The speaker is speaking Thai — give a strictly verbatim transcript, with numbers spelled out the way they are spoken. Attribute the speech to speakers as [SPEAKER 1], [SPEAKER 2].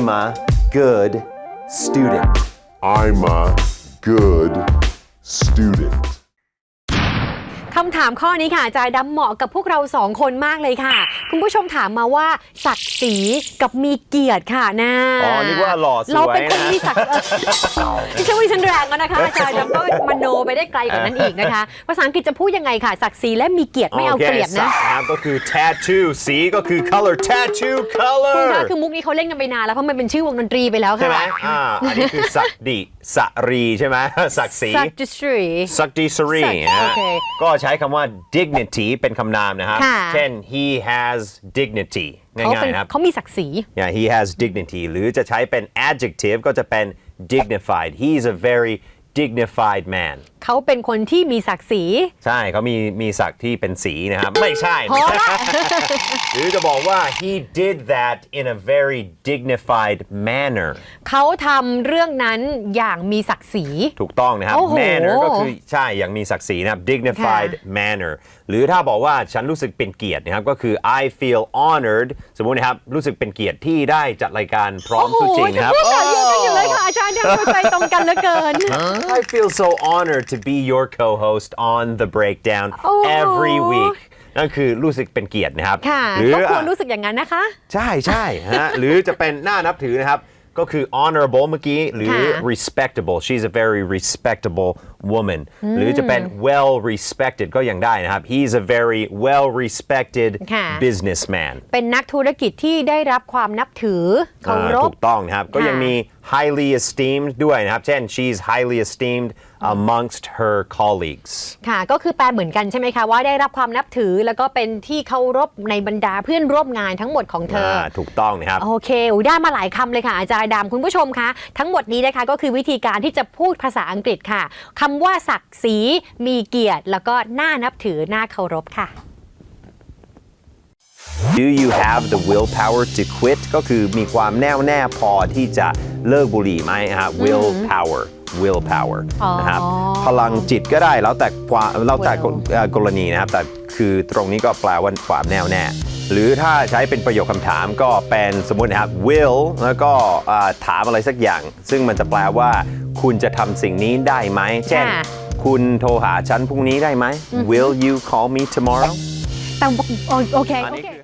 [SPEAKER 1] I'm a good student
[SPEAKER 2] I'm a good student
[SPEAKER 3] คำถามข้อนี้ค่ะอาจารย์ดำเหมาะกับพวกเราสองคนมากเลยค่ะคุณผู้ชมถามมาว่าศักดิ์ศรีกับมีเกียรติค่ะนะ
[SPEAKER 1] อ๋อนึกว่าหล่อสวยนะ
[SPEAKER 3] เราเป็นคนมีศักดิ์ไม่ใช่ว่าฉันแรงแล้วนะคะอาจารย์ดำก็มโนไปได้ไกลกว่านั้นอีกนะคะภาษาอังกฤษจะพูดยังไงค่ะศักดิ์ศรีและมีเกียรติไม่เอาเกลียดนะ
[SPEAKER 1] ครับก็คือ tattoo สีก็คือ color tattoo
[SPEAKER 3] คุณ
[SPEAKER 1] color
[SPEAKER 3] คะคือมุกนี้เขาเล่นกันไปนานแล้วเพราะมันเป็นชื่อวงดนตรีไปแล้วค่ะ
[SPEAKER 1] ใช่ไหมอ่าอันนี้คือศักดิสรีใช่ไหมศักดิ์ศรี
[SPEAKER 3] ศักดิ์ศรี
[SPEAKER 1] ศักดิสรี
[SPEAKER 3] ศักดิ์
[SPEAKER 1] นะ
[SPEAKER 3] โอเค
[SPEAKER 1] ก็ใช้คำว่า dignity เป็นคำนามนะครับ
[SPEAKER 3] ค่ะ
[SPEAKER 1] เช่น he has dignity ง่
[SPEAKER 3] เขา
[SPEAKER 1] า
[SPEAKER 3] เป็
[SPEAKER 1] ย
[SPEAKER 3] น
[SPEAKER 1] ๆนะครับ
[SPEAKER 3] เขามีศักดิ์ศรี
[SPEAKER 1] yeah he has dignity หรือจะใช้เป็น adjective ก็จะเป็น dignified he's a very dignified man
[SPEAKER 3] เขาเป็นคนที่มีศักดิ์ศรี
[SPEAKER 1] ใช่เขามีมีศักดิ์ที่เป็นสีนะครับ ไม่ใช่
[SPEAKER 3] พอละ
[SPEAKER 1] หรือจะบอกว่า he did that in a very dignified manner
[SPEAKER 3] เขาทำเรื่องนั้นอย่างมีศักดิ์ศรี
[SPEAKER 1] ถูกต้องนะครับ
[SPEAKER 3] โอ้โห
[SPEAKER 1] manner ก็คือใช่อย่างมีศักดิ์ศรีนะครับ dignified
[SPEAKER 3] ค่ะ
[SPEAKER 1] manner หรือถ้าบอกว่าฉันรู้สึกเป็นเกียรตินะครับก็คือ I feel honored สมมุตินะครับรู้สึกเป็นเกียรติที่ได้จัดรายการพร้อมสู้จริงนะครับ
[SPEAKER 3] โอ้โหจะพูดแบบเดียวกันอยู่เลยค่ะอาจารย์ยังเข้าใจตรงกันเหลือเกิน
[SPEAKER 1] I feel so honored to be your co-host on the breakdown
[SPEAKER 3] โอ้
[SPEAKER 1] every week นั่นคือรู้สึกเป็นเกียรตินะครับ
[SPEAKER 3] ค่ะ
[SPEAKER 1] หรือ
[SPEAKER 3] ก็ควรรู้สึกอย่างนั้นนะคะ
[SPEAKER 1] ใช่ใช่ฮะ หรือจะเป็นน่านับถือนะครับก็คือ honorable เมื่อกี้หรือ
[SPEAKER 3] ค่ะ
[SPEAKER 1] respectable she's a very respectable woman หรือจะเป็น well respected ก็ยังได้นะครับ he's a very well respected
[SPEAKER 3] ค่ะ
[SPEAKER 1] businessman
[SPEAKER 3] เป็นนักธุรกิจที่ได้รับความนับถือเคาร
[SPEAKER 1] อ่า
[SPEAKER 3] พ
[SPEAKER 1] ถูกต้องนะครับก็ยังมี highly esteemed ด้วยนะครับเช่น she's highly esteemed amongst her colleagues
[SPEAKER 3] ค่ะก็คือแปลเหมือนกันใช่ไหมคะว่าได้รับความนับถือแล้วก็เป็นที่เคารพในบรรดาเพื่อนร่วมงานทั้งหมดของเธอ
[SPEAKER 1] อ่าถูกต้องนะครับ
[SPEAKER 3] โอเคอุ๊ยได้มาหลายคำเลยค่ะอาจารย์ดำคุณผู้ชมคะทั้งหมดนี้นะคะก็คือวิธีการที่จะพูดภาษาอังกฤษค่ะคำว่าศักดิ์ศรีมีเกียรติแล้วก็น่านับถือน่าเคารพค่ะ
[SPEAKER 1] Do you have the willpower to quit ก็คือมีความแน่วแน่พอที่จะเลิกบุหรี่ไหมฮะ willpower willpower
[SPEAKER 3] อ๋อ
[SPEAKER 1] นะครับพลังจิตก็ได้แล้วแต่ความแล้วแต่
[SPEAKER 3] Will
[SPEAKER 1] เอ่อกรณีนะครับแต่คือตรงนี้ก็แปลว่าความแน่วแน่หรือถ้าใช้เป็นประโยคคำถามก็เป็นสมมุตินะครับ will แล้วก็อ่าถามอะไรสักอย่าง ซึ่งมันจะแปลว่าคุณจะทำสิ่งนี้ได้ไหมเช่น
[SPEAKER 3] ค่ะ
[SPEAKER 1] คุณโทรหาฉันพรุ่งนี้ได้ไหม Will you call me tomorrow
[SPEAKER 3] แต่โอโอเค
[SPEAKER 1] อัน
[SPEAKER 3] โอ
[SPEAKER 1] นี้
[SPEAKER 3] เค